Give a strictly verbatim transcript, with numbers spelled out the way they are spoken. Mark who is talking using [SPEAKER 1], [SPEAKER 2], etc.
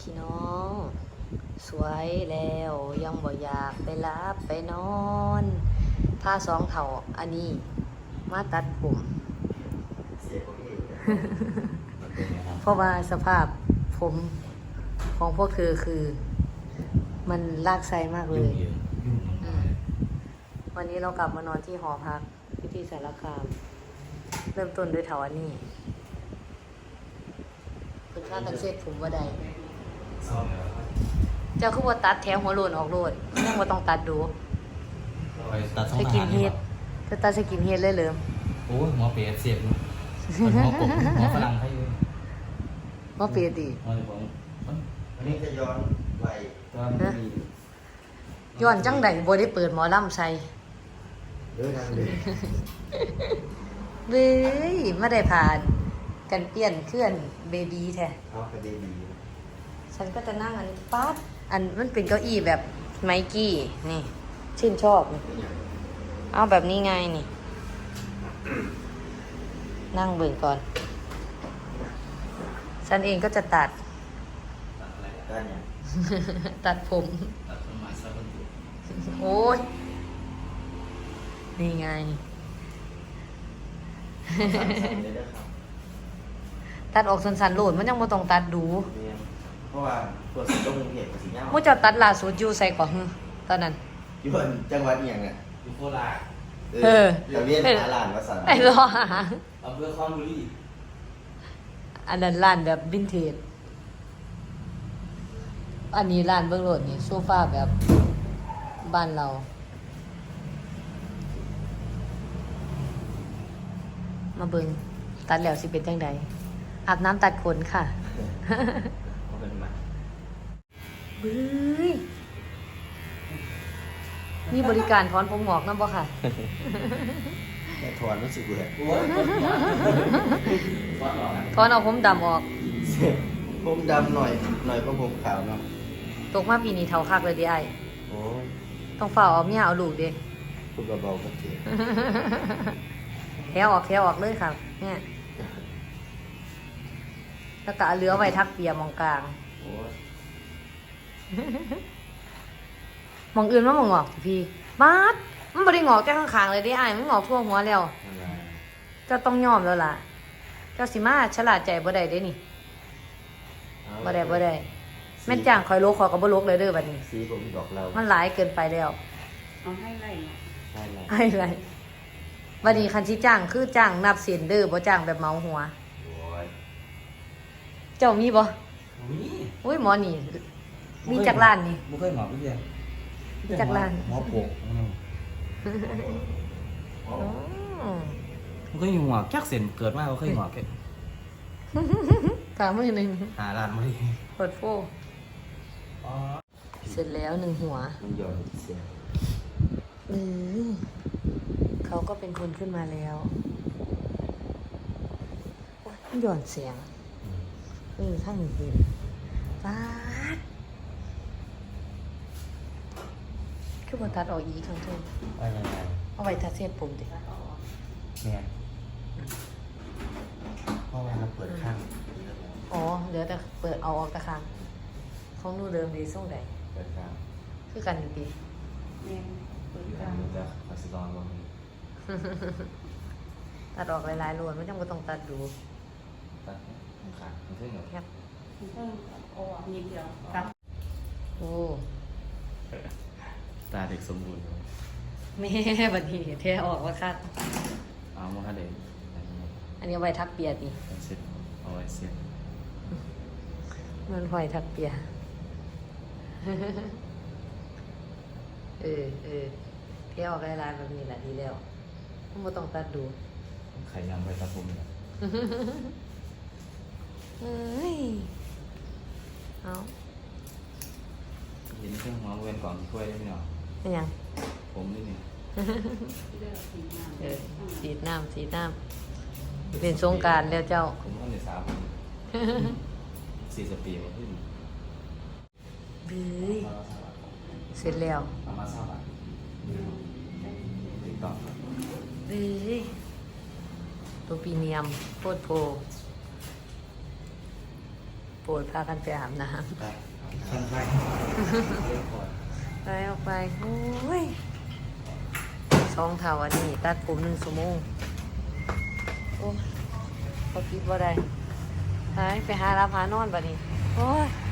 [SPEAKER 1] พี่น้องสวยแล้วยังบ่อยากไปรับไปนอนผ้าสองเถ่าอันนี้มาตัดผม
[SPEAKER 2] เสียของเองมันเป็นไงครับ
[SPEAKER 1] เพราะว่าสภาพผมของพวกเธอคือมันลากไซมากเล
[SPEAKER 2] ยุ่ง
[SPEAKER 1] ย
[SPEAKER 2] เยอะยุ่ง
[SPEAKER 1] อืมวันนี้เรากลับมานอนที่หอพักพิธีสารคาม เริ่มต้นด้วยเถาอันนี้คุณค่ากันเช็ดผมว่าใด
[SPEAKER 2] ซ่อมแล้ว
[SPEAKER 1] เจ้าคือว่าตัดแถวหัวโลนออกโลดยังว่าต้องตัดดู
[SPEAKER 2] ไปตัดช่อง
[SPEAKER 1] ส
[SPEAKER 2] อา
[SPEAKER 1] กิ
[SPEAKER 2] หาน ร
[SPEAKER 1] เฮดจะตัดสกินเฮดเลยเหรอ
[SPEAKER 2] โอ้ยหมอเปียเสียบมันหัวกบหัวฝรั่งให้อยู่
[SPEAKER 1] ว่าเปรียดี
[SPEAKER 2] หมอเลยบอกวันนี้จะย้อนไปตอนมี
[SPEAKER 1] ย้อนจังใดบ่ได้เปิดหมอลำใส่
[SPEAKER 2] เดินทางเลย
[SPEAKER 1] เว้ยไม่ได้ผ่านกันเปลี่ยนเคลื่อนเบบีแท้
[SPEAKER 2] เอาคดีดี
[SPEAKER 1] ฉันก็จะนั่งอันนี้ป๊าดอันมันเป็นเก้าอี้แบบไมกี้นี่ชื่นชอบนี่เอาแบบนี้ไงนี่ นั่งเบิ่งก่อน ฉันเองก็จะตัด
[SPEAKER 2] ตัดอะไรได้เนี่ย
[SPEAKER 1] ตัดผม
[SPEAKER 2] ตัดต้นไม้ซะต้นตุ่
[SPEAKER 1] โอ้ย นี่ไง
[SPEAKER 2] สั่นๆเลยนะครับ
[SPEAKER 1] ตัดออกสันๆโหลดมันยังบ่ต้องตัดดู
[SPEAKER 2] เนี่ยเพราะว่าตัวสีต้องเห็นกับสีเงา
[SPEAKER 1] มู่เจ้าตัดล่าสุดอยู่ใส่ก่อนฮึตอนนั้น
[SPEAKER 2] อยู่จังหวัดเอียงเนี่ยอยู่โคราช
[SPEAKER 1] เออ
[SPEAKER 2] ทะเบียนหาหลานวสัน
[SPEAKER 1] ไอ้รอหา
[SPEAKER 2] อำเภอคอนบุรี
[SPEAKER 1] อันนั้นร้านแบบวินเทจ อันนี้ร้านเบื้องโลดนี่โซฟาแบบบ้านเรา มาเบิงตัดแล้วสิเป็นจังใดอาบน้ำตัดขนค่ะ
[SPEAKER 2] เขาเป็นมา
[SPEAKER 1] บื้ยมีบริการถอนผมหงอกนำบ่ค่ะ
[SPEAKER 2] แต่ถอนรู้สึกเบื่อโอ้ยถอนหรอ
[SPEAKER 1] ถอนเอาผมดำออก
[SPEAKER 2] ผมดำหน่อยหน่อยก็ผมขาวเนาะ
[SPEAKER 1] ตกมาปีนี้เท่าคักเลยดิไอ
[SPEAKER 2] โอ้ย
[SPEAKER 1] ต้องฝ่าเอาเมียเอาลูกเด้
[SPEAKER 2] พูดเบาๆก็เจ็บ
[SPEAKER 1] แค่ออกแค่ออกเลยค่ะเนี่ยแล้วก็เอาเรือไว้ทักเปียมองกลาง
[SPEAKER 2] โอ้ย
[SPEAKER 1] มองอื่นมันมองงอกสิพี่บาดมันบ่ได้งอกแค่ข้างๆเลยดิไอ้ายมันงอกทั่วหัวแล้ว
[SPEAKER 2] อะไร
[SPEAKER 1] เจ้าต้องยอมแล้วล่ะ เจ้าสิมาฉลาดใจบ่ได้เด้นี่บ่ได้บ่ได้แม่นจ้างคอยโลกคอยก็บ่โลกเลยเด้อบัดนี้
[SPEAKER 2] สีผมบอกเรา
[SPEAKER 1] มันหลายเกินไปแล้ว
[SPEAKER 3] เอาให้ไล่เนาะ
[SPEAKER 2] ใช่เลย
[SPEAKER 1] ไอ้ไรบัดนี้คันสิจ้างคือจ้างนับเส้นเด้อบ่จ้างแบบเหมาหัว
[SPEAKER 2] โอ้ย
[SPEAKER 1] เจ้ามีบ่
[SPEAKER 2] มี
[SPEAKER 1] อุ้ยหมอนี่ มีจักร้านนี่
[SPEAKER 2] ไม่เคยหมอพี่เดียว
[SPEAKER 1] มีจักร้าน
[SPEAKER 2] หมอปก
[SPEAKER 1] อ๋อ
[SPEAKER 2] ไม่เคยหมอแค่เส้นเกิดมาเขาเคยหมอแค่
[SPEAKER 1] กามือหนึง
[SPEAKER 2] หาร้านมาดิ
[SPEAKER 1] เปิดโฟ
[SPEAKER 2] อ๋อ
[SPEAKER 1] เสร็จแล้วหนึ่งหัว
[SPEAKER 2] มันหย่อนเสียง
[SPEAKER 1] เออเขาก็เป็นคนขึ้นมาแล้วโอ๊ยมันหย่อนเสียงเออทั้งหนึ่งคืนฟาดคือบ่ตัดออกอีกครั้งเท่า
[SPEAKER 2] ไปยังไง
[SPEAKER 1] เอาไว้ทัดเส้นผมดิ
[SPEAKER 2] เนี่ยเพราะว่าเราเปิดข้าง
[SPEAKER 1] อ๋อเหลือแต่เปิดเอาออกตะคางของหนู่เดิมดีส่งใด
[SPEAKER 2] เปิดข้าง
[SPEAKER 1] คือกันอยู่ดี
[SPEAKER 3] แม่งเปิด
[SPEAKER 2] อยู่
[SPEAKER 3] ก
[SPEAKER 2] ทา
[SPEAKER 3] ลาง ง
[SPEAKER 2] นู้นจะคาสิลอนลง
[SPEAKER 1] ตัดออกหลายๆรวนไม่จำเป็นต้องตัดดู
[SPEAKER 2] ตัดขาดมันขึ้นเหรอ
[SPEAKER 1] แคบ
[SPEAKER 3] ต้องโอ้นิดเดียวตัด
[SPEAKER 1] โอ้
[SPEAKER 2] ตาเด็กสมบูรณ์
[SPEAKER 1] แม่บัดนี้แท้ออกว่าคัด
[SPEAKER 2] เอามาค่ะเด็ก
[SPEAKER 1] อันนี้เอาไว้ทักเปียดนี่
[SPEAKER 2] เสร็จเอาไว้เสร็จ
[SPEAKER 1] มันหอยทักเปีย เออเออแท้ออกหลายๆแบบนี้แหละดีแล้วไม่ต้องตัดดู
[SPEAKER 2] ไข่ยำไปตะพุมเนี่ย
[SPEAKER 1] เอ้ยเอา
[SPEAKER 2] เห็นเครื่องหัวเวนก่อนถ้วยได้ไหมเนาะ
[SPEAKER 1] เป็นยัง
[SPEAKER 2] ผมนี่นี่
[SPEAKER 3] เลือกสีน้ำ
[SPEAKER 1] เออสีดน้ำสีดน้ำเป็นสงกรารแล้วเจ้า
[SPEAKER 2] ผมก็ในสามสี่สปีมาขึ้น
[SPEAKER 1] บื้ยเสร็จแล้ว
[SPEAKER 2] ประมาณสามบาทติ๊กต็อก
[SPEAKER 1] บื้ยตัวปีเนียมโคตรโพโปดพากันไปอาบน้
[SPEAKER 2] ครับขั้นไปเรียกก่อน
[SPEAKER 1] ำไปออกไปโอ้ยสองเท่าอันนี้ตัดผมหนึ่งชั่วโมงโอ้ยเขาคิดว่าได้หายไปหารับหานอนบัดนี้โอ้ย